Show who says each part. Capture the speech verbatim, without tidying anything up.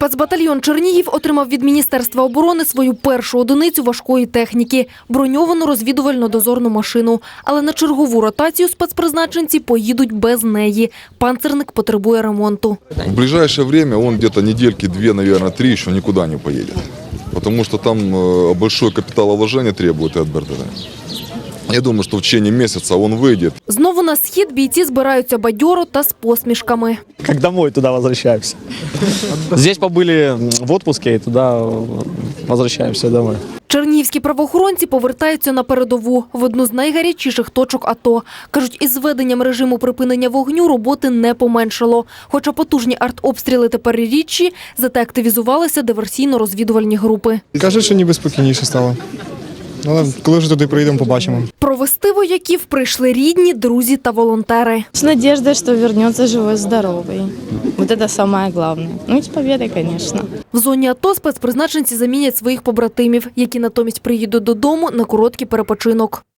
Speaker 1: Спецбатальйон Чернігів отримав від Міністерства оборони свою першу одиницю важкої техніки – броньовану розвідувально-дозорну машину. Але на чергову ротацію спецпризначенці поїдуть без неї. Панцирник потребує ремонту.
Speaker 2: В ближайшее время он где-то недельки две, наверное, три еще никуда не поедет. Потому что там большое капиталовложение требует и от БРДД. Я думаю, что в течение месяца он выйдет.
Speaker 1: Знову на схід бійці збираються бадьоро та з посмішками.
Speaker 3: Как домой туда возвращаемся. Здесь побыли в отпуске и туда возвращаемся домой.
Speaker 1: Чернігівські правоохоронці повертаються на передову, в одну з найгарячіших точок АТО. Кажуть, із введенням режиму припинення вогню роботи не поменшало. Хоча потужні артобстріли тепер рідші, зате активізувалися диверсійно-розвідувальні групи.
Speaker 4: Кажуть, що ніби спокійніше стало. Але коли вже туди приїдемо, побачимо.
Speaker 1: Провести вояків прийшли рідні, друзі та волонтери.
Speaker 5: С надеждой, что вернется живой-здоровый. Вот это самое главное. Ну и с победой, конечно.
Speaker 1: В зоні АТО спецпризначенці замінять своїх побратимів, які натомість приїдуть додому на короткий перепочинок.